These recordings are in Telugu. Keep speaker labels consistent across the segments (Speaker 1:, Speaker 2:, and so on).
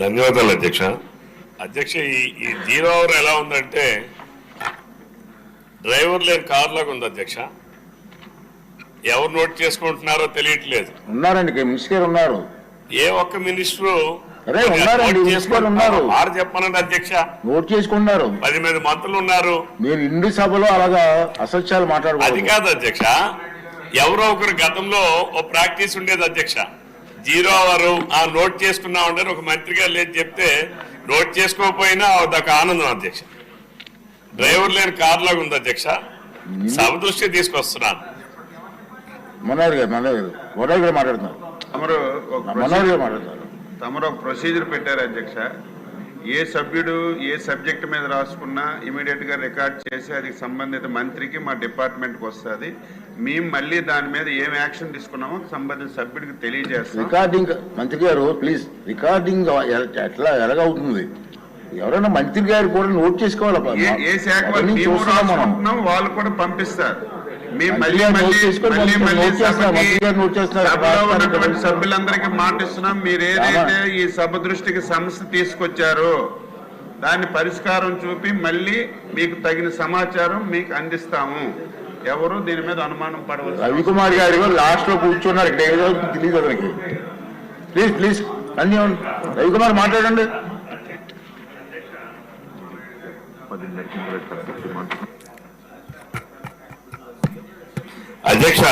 Speaker 1: ధన్యవాదాలు అధ్యక్ష. అధ్యక్ష, ఈ 0 అవర్ ఎలా ఉందంటే డ్రైవర్ లేని కార్ లాగా ఉంది అధ్యక్ష. ఎవరు నోట్ చేసుకుంటున్నారో తెలియట్లేదు.
Speaker 2: ఉన్నారండి, మినిస్టర్ ఉన్నారు.
Speaker 1: ఏ ఒక్క మినిస్టరు
Speaker 2: ఉన్నారు
Speaker 1: చెప్పనండి అధ్యక్ష.
Speaker 2: నోట్ చేసుకున్నారు.
Speaker 1: 10 మంది మంత్రులు ఉన్నారు.
Speaker 2: మీరు ఇండి సభలో అలాగా అసత్యాలు మాట్లాడారు.
Speaker 1: అది కాదు అధ్యక్ష, ఎవరో ఒకరు గతంలో ఓ ప్రాక్టీస్ ఉండేది అధ్యక్ష. 0 అవర్ నోట్ చేసుకున్నామంటే ఒక మంత్రి గారు లేదు చెప్తే నోట్ చేసుకోకపోయినా అదొక ఆనందం అధ్యక్ష. డ్రైవర్ లేని కార్ లాగా ఉంది అధ్యక్ష. సభ దృష్టి తీసుకొస్తున్నాను.
Speaker 2: మనోహర్ గారు మాట్లాడుతున్నారు.
Speaker 3: తమరు ఒక ప్రొసీజర్ పెట్టారు అధ్యక్ష. ఏ సభ్యుడు ఏ సబ్జెక్ట్ మీద రాసుకున్నా ఇమీడియట్ గా రికార్డ్ చేసి అది సంబంధిత మంత్రికి మా డిపార్ట్మెంట్కి వస్తుంది. మేము మళ్ళీ దాని మీద ఏం యాక్షన్ తీసుకున్నామో సంబంధిత సభ్యుడికి తెలియజేస్తాం.
Speaker 2: రికార్డింగ్ మంత్రి గారు ప్లీజ్, రికార్డింగ్ ఎలాగవుతుంది? ఎవరైనా మంత్రి గారు కూడా నోట్ చేసుకోవాలి.
Speaker 3: ఏ శాఖ వాళ్ళు కూడా పంపిస్తారు. సభ్యులందరికీ మాటిస్తున్నాం, మీరు ఏదైతే ఈ సభ దృష్టికి సమస్య తీసుకొచ్చారో దాన్ని పరిష్కారం చూపి మళ్ళీ మీకు తగిన సమాచారం మీకు అందిస్తాము. ఎవరు దీని మీద అనుమానం పడవచ్చు.
Speaker 2: రవికుమార్ గారు లాస్ట్ లో కూర్చున్నారు, తెలియదు అతనికి. ప్లీజ్ ప్లీజ్ అన్ని రవికుమార్ మాట్లాడండి.
Speaker 1: అధ్యక్ష,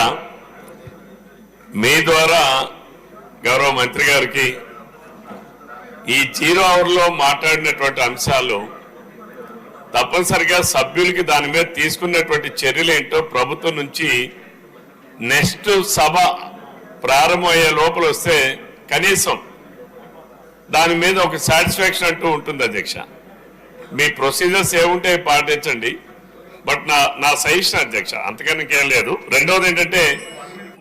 Speaker 1: మీ ద్వారా గౌరవ మంత్రి గారికి ఈ 0 అవర్లో మాట్లాడినటువంటి అంశాలు తప్పనిసరిగా సభ్యులకి దాని మీద తీసుకున్నటువంటి చర్యలు ఏంటో ప్రభుత్వం నుంచి నెక్స్ట్ సభ ప్రారంభమయ్యే లోపల వస్తే కనీసం దాని మీద ఒక సాటిస్ఫాక్షన్ అంటూ ఉంటుంది అధ్యక్ష. మీ ప్రొసీజర్స్ ఏముంటే పాటించండి, బట్ నా సజెషన్ అధ్యక్ష, అంతకన్నా ఇంకేం లేదు. రెండవది ఏంటంటే